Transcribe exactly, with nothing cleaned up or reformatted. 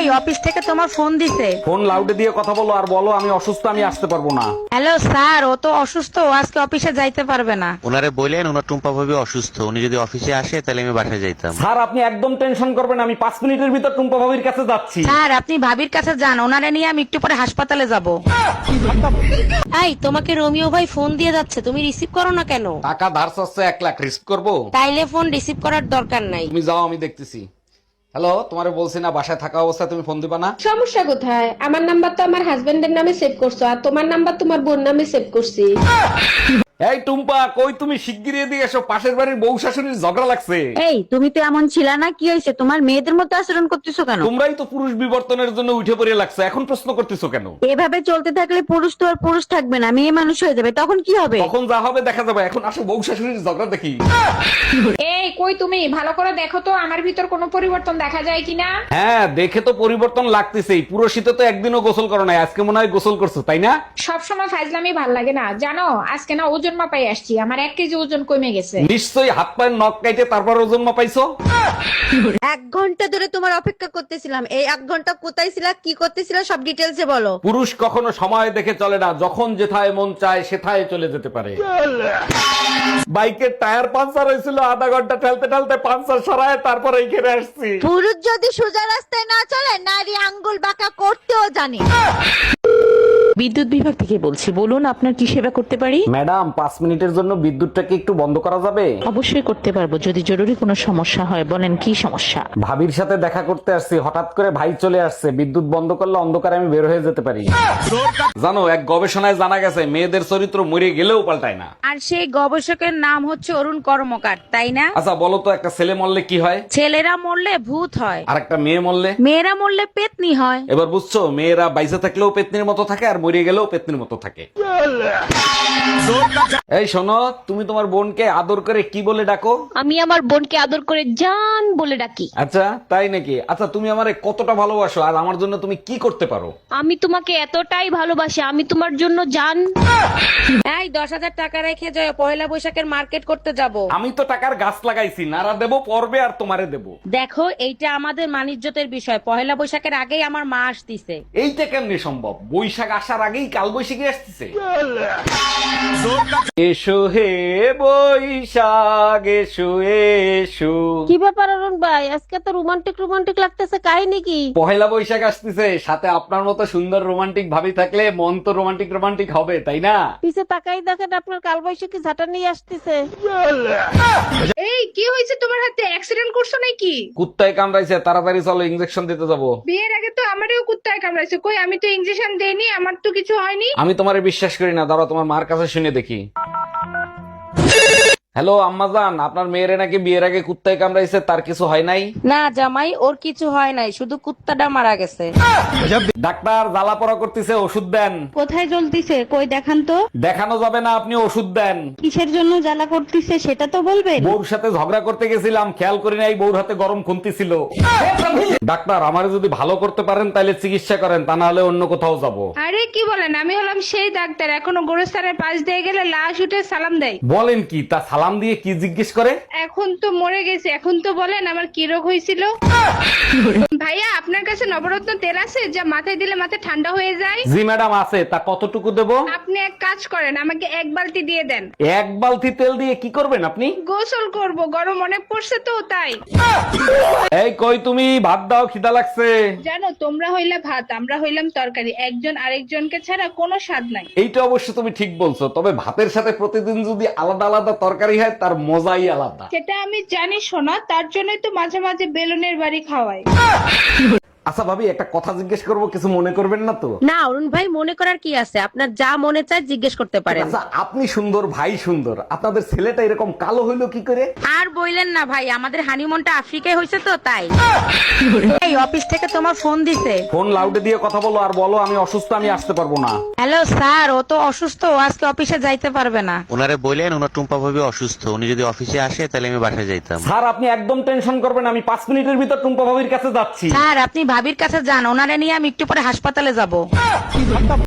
এই অফিস থেকে তোমার ফোন দিছে। ফোন লাউডে দিয়ে কথা বলো আর বলো আমি অসুস্থ, আমি আসতে পারবো না। হ্যালো স্যার, ও তো অসুস্থ, ও আজকে অফিসে যাইতে পারবে না। ওনারে বললেন ওনার টুম্পা ভাবি অসুস্থ, উনি যদি অফিসে আসে তাহলে আমি বাসায় যাইতাম। স্যার আপনি একদম টেনশন করবেন, আমি পাঁচ মিনিটের ভিতর টুম্পা ভাবির কাছে যাচ্ছি। স্যার আপনি ভাবির কাছে যান, ওনারে নিয়ে আমি একটু পরে হাসপাতালে যাব। এই তোমাকে রোমিও ভাই ফোন দিয়ে যাচ্ছে, তুমি রিসিভ করো না কেন? টাকা ধার চাচ্ছে এক লাখ, রিস্ক করবো? তাইলে ফোন রিসিভ করার দরকার নাই। তুমি যাও, আমি দেখতেছি। হ্যালো, তোমারে বলছি না বাসায় থাকা অবস্থায় তুমি ফোন দিবা না? সমস্যা কোথায়? আমার নাম্বার তো আমার হাজবেন্ডের নামে সেভ করছো, আর তোমার নাম্বার তোমার বোন নামে সেভ করছি। এই টুম্পা, কই তুমি? শিগগিরই এদিকে এসো, পাশের বাড়ির বউ শাশুড়ির ঝগড়া লাগছে। এই তুমি তো এমন ছিলা না, কি হয়েছে? তোমার মেয়েদের মতো আচরণ করতেছো কেন? তোমরাই তো পুরুষ বিবর্তনের জন্য উঠে পড়ে লাগছে, এখন প্রশ্ন করতেছো কেন? এভাবে চলতে থাকলে পুরুষ তো আর পুরুষ থাকবে না, মেয়ে মানুষ হয়ে যাবে, তখন কি হবে? তখন যা হবে দেখা যাবে, এখন আসো বউ শাশুড়ির ঝগড়া দেখি। এই কই তুমি ভালো করে দেখো তো আমার ভিতর কোনো পরিবর্তন দেখা যায় কিনা। হ্যাঁ, দেখে তো পরিবর্তন লাগতেছেই। পুরো শীতে তো একদিনও গোসল করো নাই, আজকে মনে হয় গোসল করছো, তাই না? সব সময় ফাজলামি ভাল লাগে না জানো, আজকে না ওজন মাপাই আসছি, আমার এক কেজি ওজন কমে গেছে। নিশ্চয়ই হাত পায়ের নখ কাইটে তারপর ওজন মাপাইছো। এক ঘন্টা ধরে তোমার অপেক্ষা করতেছিলাম, এই এক ঘন্টা কোথায় ছিলা, কি করতেছিলা, সব ডিটেলসে বলো। পুরুষ কখনো সময় দেখে চলে না, যখন যেথায় মন চায় সেথায় চলে যেতে পারে। বাইকের টায়ার পাঞ্চার হয়েছিল, আধা ঘন্টা ঠেলতে ঠেলতে পাঞ্চার সরায় তারপর এইখানে আসছি। পুরুষ যদি সোজা রাস্তায় না চলে, নারী আঙ্গুল বাঁকা করতেও জানে। বিদ্যুৎ বিভাগ থেকে বলছি, বলুন আপনার কি সেবা করতে পারি? ম্যাডাম, পাঁচ মিনিটের জন্য বিদ্যুৎটাকে একটু বন্ধ করা যাবে? অবশ্যই করতে পারবো, যদি জরুরি কোনো সমস্যা হয়। বলেন কি সমস্যা? ভাবির সাথে দেখা করতে আসছি, হঠাৎ করে ভাই চলে আসছে, বিদ্যুৎ বন্ধ করলে অন্ধকারে আমি বের হয়ে যেতে পারি। জানো, এক গবেষণায় জানা গেছে মেয়েদের চরিত্র মরে গেলেও পাল্টায় না। আর সেই গবেষকের নাম হচ্ছে অরুণ কর্মকার, তাই না? আচ্ছা বলো তো, একটা ছেলে মরলে কি হয়? ছেলেরা মরলে ভূত হয়, আর একটা মেয়ে মরলে? মেয়েরা মরলে পেতনি হয়। এবার বুঝছো, মেয়েরা বাইসে থাকলেও পেতনির মতো থাকে আর মরে গেলেও পেতনির মতো থাকে। এই শোনো, তুমি তোমার বোনকে আদর করে কি বলে ডাকো? আমি আমার বোনকে আদর করে জান বলে ডাকি। আচ্ছা তাই নাকি? আচ্ছা তুমি আমারে কতটা ভালোবাসো আর আমার জন্য তুমি কি করতে পারো? আমি তোমাকে এতটাই ভালোবাসি, আমি তোমার জন্য জান। এই দশ হাজার টাকা রেখে যাও, পয়লা বৈশাখের মার্কেট করতে যাব। আমি তো টাকার গাছ লাগাইছি, নারা দেবো পর্বে আর তোমারে দেবো। দেখো, এইটা আমাদের মানিজ্যতের বিষয়, পয়লা বৈশাখের আগেই আমার মা আসতিছে। এইটা কেমনে সম্ভব? বৈশাখ আসার আগেই কাল বৈশাখী আসতেছে। এসো হে বৈশাখ এসো এসো। কি ব্যাপার অরুণ ভাই, আজকে তো রোমান্টিক রোমান্টিক লাগতেছে, কাহিনী কি? পহেলা বৈশাখ আসতেছে, সাথে আপনার মতো সুন্দর রোমান্টিক ভাবি থাকলে মন তো রোমান্টিক রোমান্টিক হবে, তাই না? পিছে তাকাই দেখেন, আপনার কালবৈশাখী ঝাঁটা নিয়ে আসতেছে। এই কি হয়েছে তোমার হাতে? অ্যাক্সিডেন্ট করছো নাকি? কুত্তায় কামড়াইছে, তাড়াতাড়ি চলো ইনজেকশন দিতে যাবো। বিয়ের আগে তো আমারও কুত্তায় কামড়াইছে, কই আমি তো ইনজেকশন দেইনি, আমার তো কিছু হয়নি। আমি তোমারে বিশ্বাস করি না, দাঁড়াও তোমার মার কাছে শুনে দেখি। হ্যালো আম্মাজান, আপনার মেয়েরে নাকি বিয়ের আগে কুত্তায় কামড়াইছে, তার কিছু হয় নাই? না জামাই, ওর কিছু হয় নাই, শুধু কুত্তাটা মারা গেছে। ডাক্তার জ্বালা পড়া করতেছে, ওষুধ দেন। কোথায় জ্বলতিছে, কই দেখান তো। দেখানো যাবে না, আপনি ওষুধ দেন। কিসের জন্য জ্বালা করতেছে সেটা তো বলবেন। বউর সাথে ঝগড়া করতে গেছিলাম, খেয়াল করি নাই বউর হাতে গরম খুন্তি ছিল। ডাক্তার, আমারে যদি ভালো করতে পারেন তাহলে চিকিৎসা করেন, তা না হলে অন্য কোথাও যাব। আরে কি বলেন, আমি হলাম সেই ডাক্তার, এখনো গোরস্থানের পাশ দিয়ে গেলে লাশ উঠে সালাম দেয়। বলেন কি? তা সালাম দিয়ে কি জিজ্ঞেস করে? এখন তো মরে গেছে, এখন তো বলেন আমার কি রোগ হয়েছিল। ভাইয়া, আপনার কাছে নবরত্ন তেল আছে যা মাথায় দিলে মাথা ঠান্ডা হয়ে যায়? জি ম্যাডাম আছে, তা কতটুকু দেব? আপনি এক কাজ করেন, আমাকে এক বালতি দিয়ে দেন। এক বালতি তেল দিয়ে কি করবেন আপনি? গোসল করব, গরম অনেক পড়ছে তো তাই। এই কই তুমি, ভাত দাও, খিদা লাগছে। জানো, তোমরা হইলে ভাত, আমরা হইলাম তরকারি, একজন আরেকজনকে ছাড়া কোনো স্বাদ নাই। এইটা অবশ্য তুমি ঠিক বলছো, তবে ভাতের সাথে প্রতিদিন যদি আলাদা আলাদা তরকারি হয় তার মজাই আলাদা। সেটা আমি জানি শোনা, তার জন্যই তো মাঝে মাঝে বেলুনের বাড়ি খাওয়াই। আচ্ছা ভাবি, একটা কথা জিজ্ঞেস করবো, কিছু মনে করবেন না তো? না অরুণ ভাই, মনে করার কি আছে, আপনার যা মনে চায় জিজ্ঞেস করতে পারেন। আচ্ছা, আপনি সুন্দর, ভাই সুন্দর, আপনাদের ছেলেটা এরকম কালো হইলো কি করে? আর বইলেন না ভাই, আমাদের হানিমুনটা আফ্রিকায় হয়েছে তো তাই। এই অফিস থেকে তোমার ফোন দিছে। ফোন লাউডে দিয়ে কথা বলো আর বলো আমি অসুস্থ, আমি আসতে পারবো না। হ্যালো স্যার, ও তো অসুস্থ, ও আজকে অফিসে যাইতে পারবে না। ওনারে বললেন ওনার টুম্পা ভাবি অসুস্থ, উনি যদি অফিসে আসে তাহলে আমি বাসায় যাইতাম। স্যার আপনি একদম টেনশন করবেন, আমি পাঁচ মিনিটের ভিতর টুম্পা ভাবির কাছে যাচ্ছি। স্যার আপনি ভাবির কাছে যান, ওনারে নিয়ে আমি একটু পরে হাসপাতালে যাব।